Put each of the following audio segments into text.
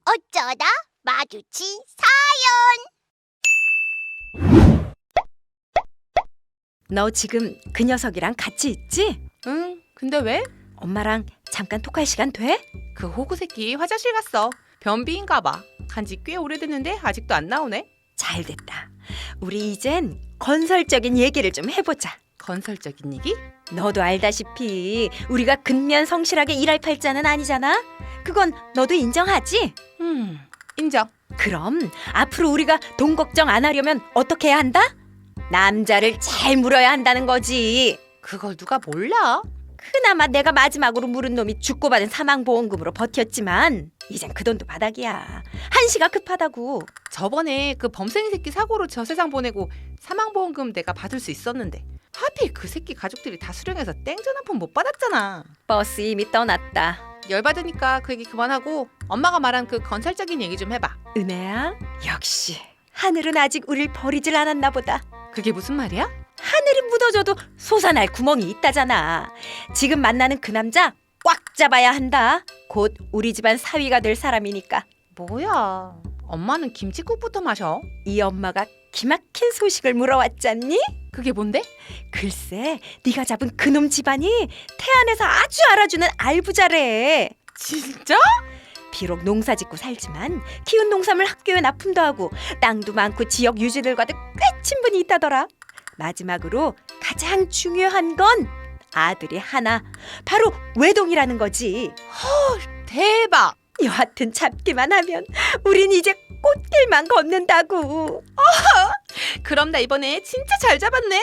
어쩌다 마주친 너 지금 그 녀석이랑 같이 있지? 응, 근데 왜? 엄마랑 잠깐 톡할 시간 돼? 그 호구 새끼 화장실 갔어. 변비인가 봐. 간지 꽤 오래됐는데 아직도 안 나오네. 잘 됐다. 우리 이젠 건설적인 얘기를 좀 해보자. 건설적인 얘기? 너도 알다시피 우리가 근면 성실하게 일할 팔자는 아니잖아? 그건 너도 인정하지? 인정. 그럼 앞으로 우리가 돈 걱정 안 하려면 어떻게 해야 한다? 남자를 잘 물어야 한다는 거지. 그걸 누가 몰라? 그나마 내가 마지막으로 물은 놈이 죽고 받은 사망보험금으로 버텼지만 이젠 그 돈도 바닥이야. 한시가 급하다고. 저번에 그 범생이 새끼 사고로 저 세상 보내고 사망보험금 내가 받을 수 있었는데 하필 그 새끼 가족들이 다 수령해서 땡전 한 푼 못 받았잖아. 버스 이미 떠났다. 열받으니까 그 얘기 그만하고 엄마가 말한 그 건설적인 얘기 좀 해봐. 은혜야, 역시 하늘은 아직 우릴 버리질 않았나 보다. 그게 무슨 말이야? 하늘이 묻어줘도 솟아날 구멍이 있다잖아. 지금 만나는 그 남자 꽉 잡아야 한다. 곧 우리 집안 사위가 될 사람이니까. 뭐야? 엄마는 김치국부터 마셔. 이 엄마가 기막힌 소식을 물어왔잖니? 그게 뭔데? 글쎄, 네가 잡은 그놈 집안이 태안에서 아주 알아주는 알부자래. 진짜? 비록 농사 짓고 살지만 키운 농산물 학교에 납품도 하고 땅도 많고 지역 유지들과도 꽤 친분이 있다더라. 마지막으로 가장 중요한 건 아들이 하나, 바로 외동이라는 거지. 대박! 여하튼 잡기만 하면 우린 이제 꽃길만 걷는다고. 그럼 나 이번에 진짜 잘 잡았네?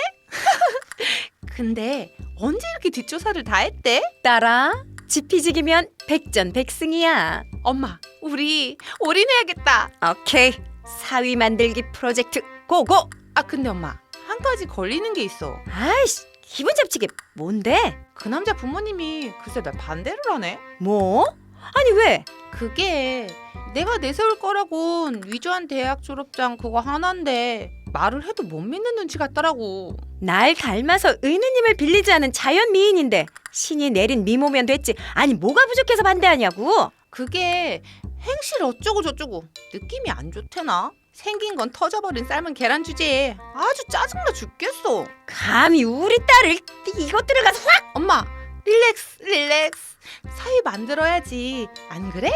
근데 언제 이렇게 뒷조사를 다 했대? 따라 지피지기면 백전백승이야. 엄마, 우리 올인해야겠다. 오케이, 사위 만들기 프로젝트 고고. 아, 근데 엄마, 한 가지 걸리는 게 있어. 아이씨, 기분 잡치게 뭔데? 그 남자 부모님이 글쎄 날 반대를 하네. 뭐? 아니 왜? 그게 내가 내세울 거라곤 위조한 대학 졸업장 그거 하나인데 말을 해도 못 믿는 눈치 같더라고. 날 닮아서 의느님을 빌리지 않은 자연미인인데 신이 내린 미모면 됐지. 아니 뭐가 부족해서 반대하냐고. 그게 행실 어쩌고 저쩌고 느낌이 안 좋대나? 생긴 건 터져버린 삶은 계란 주제에 아주 짜증나 죽겠어. 감히 우리 딸을 이것들을 가서 확. 엄마, 릴렉스. 사위 만들어야지. 안 그래?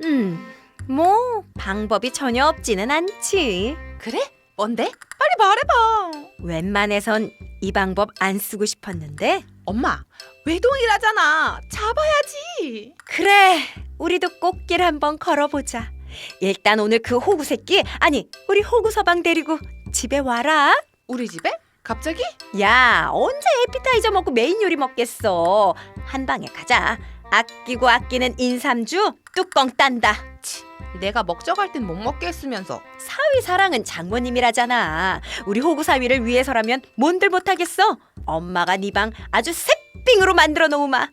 뭐 방법이 전혀 없지는 않지. 그래? 뭔데? 빨리 말해봐. 웬만해선 이 방법 안 쓰고 싶었는데. 엄마, 외동이라잖아. 잡아야지. 그래, 우리도 꽃길 한번 걸어보자. 일단 오늘 그 호구 새끼, 아니 우리 호구 서방 데리고 집에 와라. 우리 집에? 갑자기? 야, 언제 에피타이저 먹고 메인 요리 먹겠어. 한 방에 가자. 아끼고 아끼는 인삼주 뚜껑 딴다. 내가 먹져갈 땐 못 먹게 했으면서. 사위 사랑은 장모님이라잖아. 우리 호구 사위를 위해서라면 뭔들 못하겠어. 엄마가 네 방 아주 새삥으로 만들어 놓으마.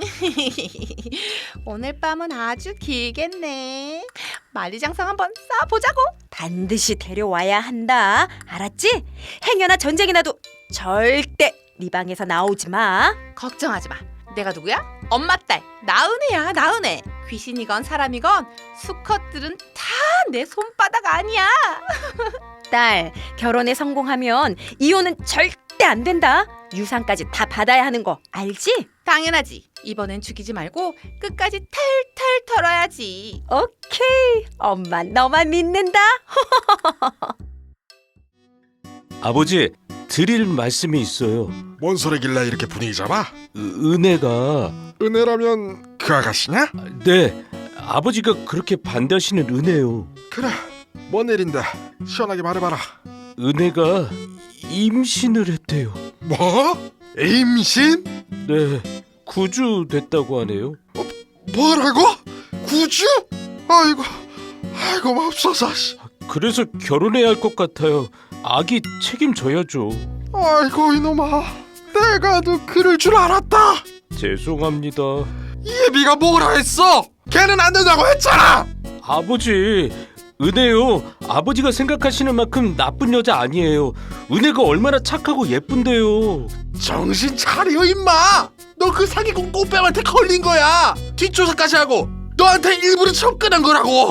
오늘 밤은 아주 길겠네. 만리장성 한번 쌓아보자고. 반드시 데려와야 한다. 알았지? 행여나 전쟁이 나도 절대 네 방에서 나오지 마. 걱정하지 마. 내가 누구야? 엄마 딸 나은혜야. 나은혜. 귀신이건 사람이건 수컷들은 다 내 손바닥 아니야. 딸, 결혼에 성공하면 이혼은 절대 안 된다. 유산까지 다 받아야 하는 거 알지? 당연하지. 이번엔 죽이지 말고 끝까지 탈탈 털어야지. 오케이, 엄마 너만 믿는다. 아버지, 드릴 말씀이 있어요. 뭔 소리길래 이렇게 분위기 잡아? 은혜가... 은혜라면 그 아가씨냐? 네, 아버지가 그렇게 반대하시는 은혜요. 그래, 뭔 일인데 시원하게 말해봐라. 은혜가 임신을 했대요. 뭐? 임신? 네, 9주 됐다고 하네요. 뭐라고? 9주? 아이고 맙소사. 그래서 결혼해야 할 것 같아요. 아기 책임져야죠. 아이고 이놈아, 내가 너 그럴 줄 알았다. 죄송합니다. 예비가 뭐라 했어? 걔는 안 된다고 했잖아. 아버지, 은혜요. 아버지가 생각하시는 만큼 나쁜 여자 아니에요. 은혜가 얼마나 착하고 예쁜데요. 정신 차려 임마. 너 그 사기꾼 꽃뱀한테 걸린 거야. 뒷조사까지 하고 너한테 일부러 접근한 거라고.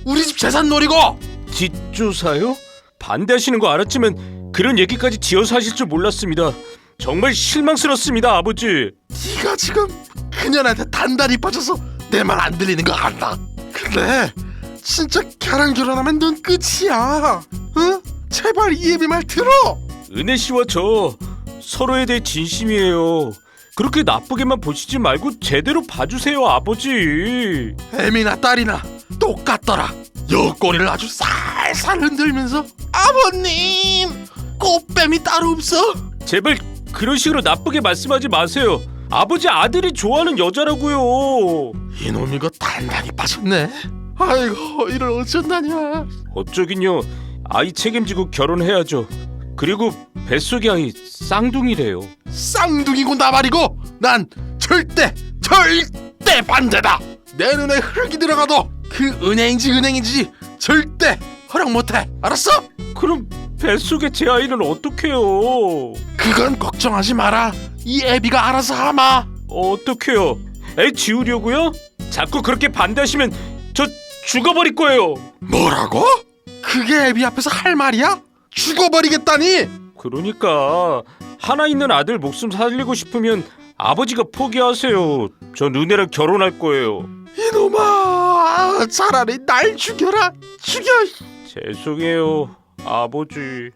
우리 집 재산 노리고. 뒷조사요? 반대하시는 거 알았지만 그런 얘기까지 지어서 하실 줄 몰랐습니다. 정말 실망스럽습니다, 아버지. 네가 지금 그년한테 단단히 빠져서 내 말 안 들리는 거 알아. 근데 진짜 걔랑 결혼하면 넌 끝이야. 응? 제발 이 애비 말 들어. 은혜 씨와 저 서로에 대해 진심이에요. 그렇게 나쁘게만 보시지 말고 제대로 봐주세요, 아버지. 애미나 딸이나 똑같더라. 옆구리를 아주 살살 흔들면서 아버님 꽃뱀이 따로 없어. 제발 그런 식으로 나쁘게 말씀하지 마세요. 아버지 아들이 좋아하는 여자라고요. 이놈 이거 단단히 빠졌네. 아이고 이를 어쩐다냐. 어쩌긴요. 아이 책임지고 결혼해야죠. 그리고 뱃속의 아이 쌍둥이래요. 쌍둥이고 나발이고 난 절대 반대다. 내 눈에 흙이 들어가도 그 은행인지 절대 허락 못해. 알았어? 그럼 뱃속의 제 아이는 어떡해요? 그건 걱정하지 마라. 이 애비가 알아서 하마. 어떡해요? 애 지우려고요? 자꾸 그렇게 반대하시면 저 죽어버릴 거예요. 뭐라고? 그게 애비 앞에서 할 말이야? 죽어버리겠다니? 그러니까 하나 있는 아들 목숨 살리고 싶으면 아버지가 포기하세요. 전 은혜랑 결혼할 거예요. 이놈아, 차라리 날 죽여라. 죽여. 죄송해요, 아버지.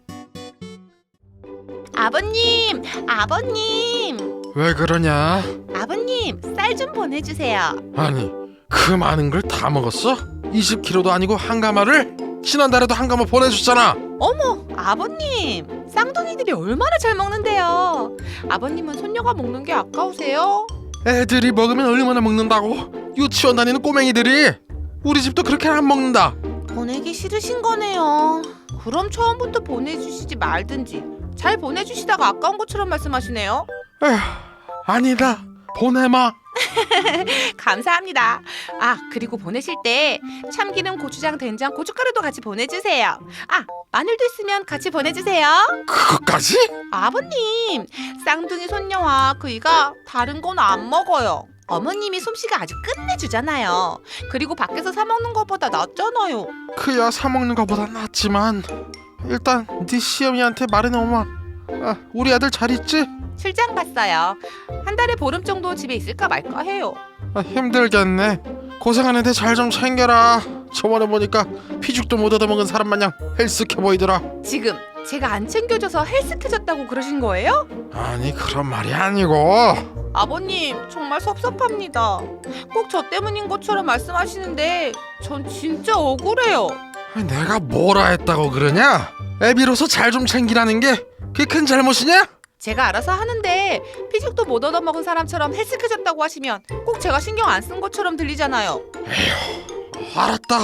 아버님, 아버님, 왜 그러냐? 아버님, 쌀 좀 보내주세요. 아니, 그 많은 걸 다 먹었어? 20kg도 아니고 한 가마를? 지난달에도 한 가마 보내줬잖아. 어머, 아버님. 쌍둥이들이 얼마나 잘 먹는데요. 아버님은 손녀가 먹는 게 아까우세요? 애들이 먹으면 얼마나 먹는다고? 유치원 다니는 꼬맹이들이. 우리 집도 그렇게 안 먹는다. 보내기 싫으신 거네요. 그럼 처음부터 보내주시지 말든지. 잘 보내주시다가 아까운 것처럼 말씀하시네요. 에휴, 아니다. 보내마. 감사합니다. 아, 그리고 보내실 때 참기름, 고추장, 된장, 고춧가루도 같이 보내주세요. 아, 마늘도 있으면 같이 보내주세요. 그것까지? 아버님, 쌍둥이 손녀와 그이가 다른 건 안 먹어요. 어머님이 솜씨가 아주 끝내주잖아요. 그리고 밖에서 사 먹는 것보다 낫잖아요. 그야 사 먹는 것보다 낫지만 일단 네 시어미한테 말해놓으마. 아, 우리 아들 잘 있지? 출장 갔어요. 한 달에 보름 정도 집에 있을까 말까 해요. 아, 힘들겠네. 고생하는데 잘 좀 챙겨라. 저번에 보니까 피죽도 못 얻어먹은 사람 마냥 헬스케 보이더라. 지금 제가 안 챙겨줘서 헬스케졌다고 그러신 거예요? 아니 그런 말이 아니고. 아버님, 정말 섭섭합니다. 꼭 저 때문인 것처럼 말씀하시는데 전 진짜 억울해요. 내가 뭐라 했다고 그러냐? 애비로서 잘 좀 챙기라는 게 그게 큰 잘못이냐? 제가 알아서 하는데 피죽도 못 얻어먹은 사람처럼 헬스케졌다고 하시면 꼭 제가 신경 안 쓴 것처럼 들리잖아요. 알았다.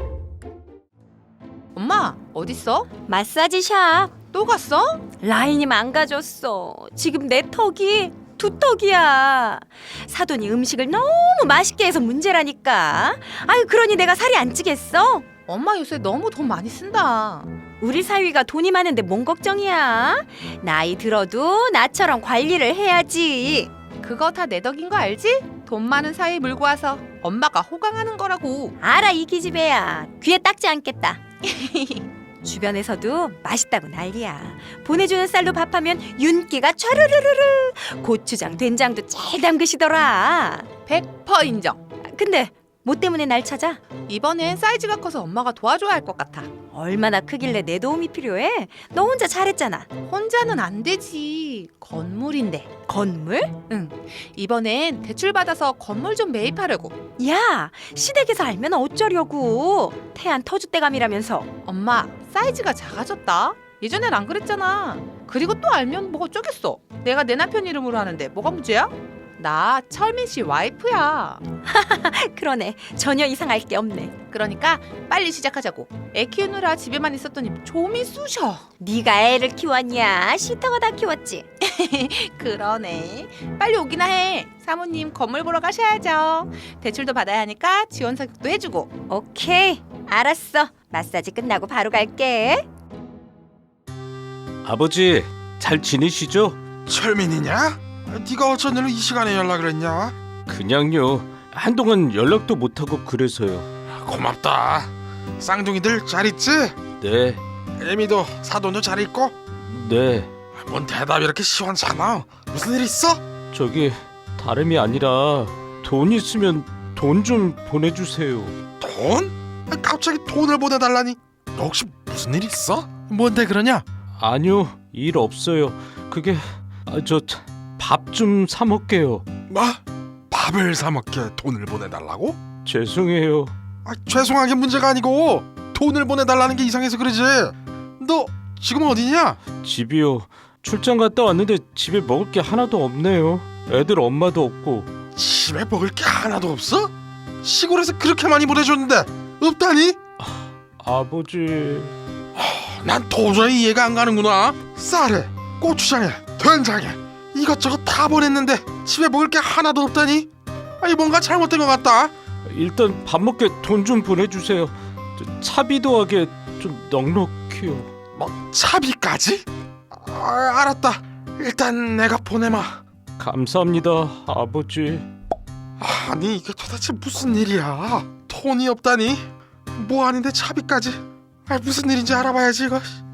엄마, 어딨어? 마사지샵. 또 갔어? 라인이 망가졌어. 지금 내 턱이 두턱이야. 사돈이 음식을 너무 맛있게 해서 문제라니까. 아유, 그러니 내가 살이 안 찌겠어? 엄마 요새 너무 돈 많이 쓴다. 우리 사위가 돈이 많은데 뭔 걱정이야? 나이 들어도 나처럼 관리를 해야지. 그거 다 내 덕인 거 알지? 돈 많은 사이 물고 와서 엄마가 호강하는 거라고. 알아, 이 기집애야. 귀에 닦지 않겠다. 주변에서도 맛있다고 난리야. 보내주는 쌀로 밥하면 윤기가 촤르르르르. 고추장, 된장도 잘 담그시더라. 100% 인정. 근데 뭐 때문에 날 찾아? 이번엔 사이즈가 커서 엄마가 도와줘야 할 것 같아. 얼마나 크길래 내 도움이 필요해? 너 혼자 잘했잖아. 혼자는 안 되지. 건물인데. 건물? 응. 이번엔 대출 받아서 건물 좀 매입하려고. 야, 시댁에서 알면 어쩌려고. 태안 터줏대감이라면서. 엄마, 사이즈가 작아졌다. 예전엔 안 그랬잖아. 그리고 또 알면 뭐 어쩌겠어. 내가 내 남편 이름으로 하는데 뭐가 문제야? 나 철민 씨 와이프야. 그러네, 전혀 이상할 게 없네. 그러니까 빨리 시작하자고. 애 키우느라 집에만 있었더니 좀이 쑤셔. 네가 애를 키웠냐? 시터가 다 키웠지. 그러네. 빨리 오기나 해. 사모님 건물 보러 가셔야죠. 대출도 받아야 하니까 지원 사격도 해주고. 오케이, 알았어. 마사지 끝나고 바로 갈게. 아버지 잘 지내시죠? 철민이냐? 네가 어쩐 일로 이 시간에 연락을 했냐? 그냥요. 한동안 연락도 못하고 그래서요. 고맙다. 쌍둥이들 잘 있지? 네, 에미도 사돈도 잘 있고? 네. 뭔 대답이 이렇게 시원찮아? 무슨 일 있어? 저기 다름이 아니라 돈 있으면 돈 좀 보내주세요. 돈? 갑자기 돈을 보내달라니? 너 혹시 무슨 일 있어? 뭔데 그러냐? 아니요, 일 없어요. 그게 저 밥 좀 사 먹게요. 뭐? 밥을 사 먹게 돈을 보내달라고? 죄송해요. 죄송한 게 문제가 아니고 돈을 보내달라는 게 이상해서 그러지. 너 지금 어디냐? 집이요. 출장 갔다 왔는데 집에 먹을 게 하나도 없네요. 애들 엄마도 없고. 집에 먹을 게 하나도 없어? 시골에서 그렇게 많이 보내줬는데 없다니? 아버지. 난 도저히 이해가 안 가는구나. 쌀에 고추장에 된장에 이것저것 다 보냈는데 집에 먹을 게 하나도 없다니? 아니 뭔가 잘못된 것 같다. 일단 밥 먹게 돈 좀 보내주세요. 차비도 하게 좀 넉넉히요. 뭐 차비까지? 알았다. 일단 내가 보내마. 감사합니다, 아버지. 아니 이게 도대체 무슨 일이야? 돈이 없다니? 뭐 아닌데 차비까지? 무슨 일인지 알아봐야지 이거.